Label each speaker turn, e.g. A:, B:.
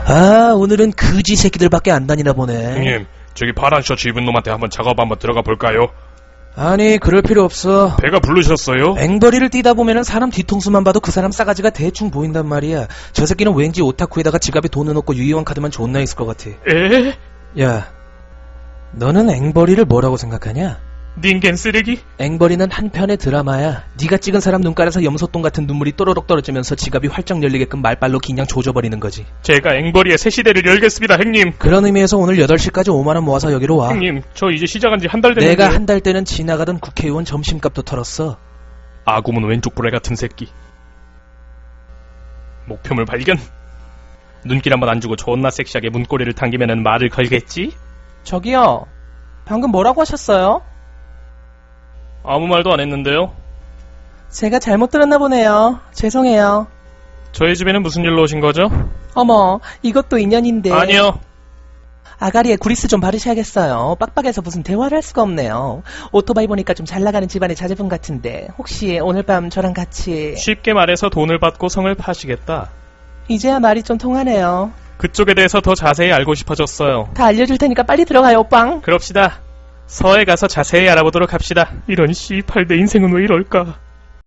A: 아, 오늘은 그지 새끼들밖에 안 다니나 보네.
B: 형님, 저기 파란 셔츠 입은 놈한테 한번 작업 한번 들어가 볼까요?
A: 아니, 그럴 필요 없어.
B: 배가 부르셨어요?
A: 앵벌이를 뛰다 보면은 사람 뒤통수만 봐도 그 사람 싸가지가 대충 보인단 말이야. 저 새끼는 왠지 오타쿠에다가 지갑에 돈을 넣고 유희왕 카드만 존나 있을 것 같아.
B: 에?
A: 야, 너는 앵벌이를 뭐라고 생각하냐?
B: 닌겐 쓰레기?
A: 앵벌이는 한편의 드라마야. 네가 찍은 사람 눈가에서 염소똥 같은 눈물이 또로록 떨어지면서 지갑이 활짝 열리게끔 말빨로 그냥 조져버리는 거지.
B: 제가 앵벌이의 새 시대를 열겠습니다, 형님.
A: 그런 의미에서 오늘 8시까지 5만원 모아서 여기로 와.
B: 형님, 저 이제 시작한 지 한 달 됐는데.
A: 내가 한 달 때는 지나가던 국회의원 점심값도 털었어.
B: 아구문 왼쪽 불알 같은 새끼. 목표물 발견. 눈길 한번 안 주고 존나 섹시하게 문고리를 당기면은 말을 걸겠지?
A: 저기요, 방금 뭐라고 하셨어요?
B: 아무 말도 안 했는데요.
A: 제가 잘못 들었나 보네요. 죄송해요.
B: 저희 집에는 무슨 일로 오신 거죠?
A: 어머, 이것도 인연인데.
B: 아니요.
A: 아가리에 구리스 좀 바르셔야겠어요. 빡빡해서 무슨 대화를 할 수가 없네요. 오토바이 보니까 좀 잘나가는 집안의 자제분 같은데 혹시 오늘 밤 저랑 같이...
B: 쉽게 말해서 돈을 받고 성을 파시겠다.
A: 이제야 말이 좀 통하네요.
B: 그쪽에 대해서 더 자세히 알고 싶어졌어요.
A: 다 알려줄 테니까 빨리 들어가요, 오빵.
B: 그럽시다. 서에 가서 자세히 알아보도록 합시다. 이런 씨발 내 인생은 왜 이럴까.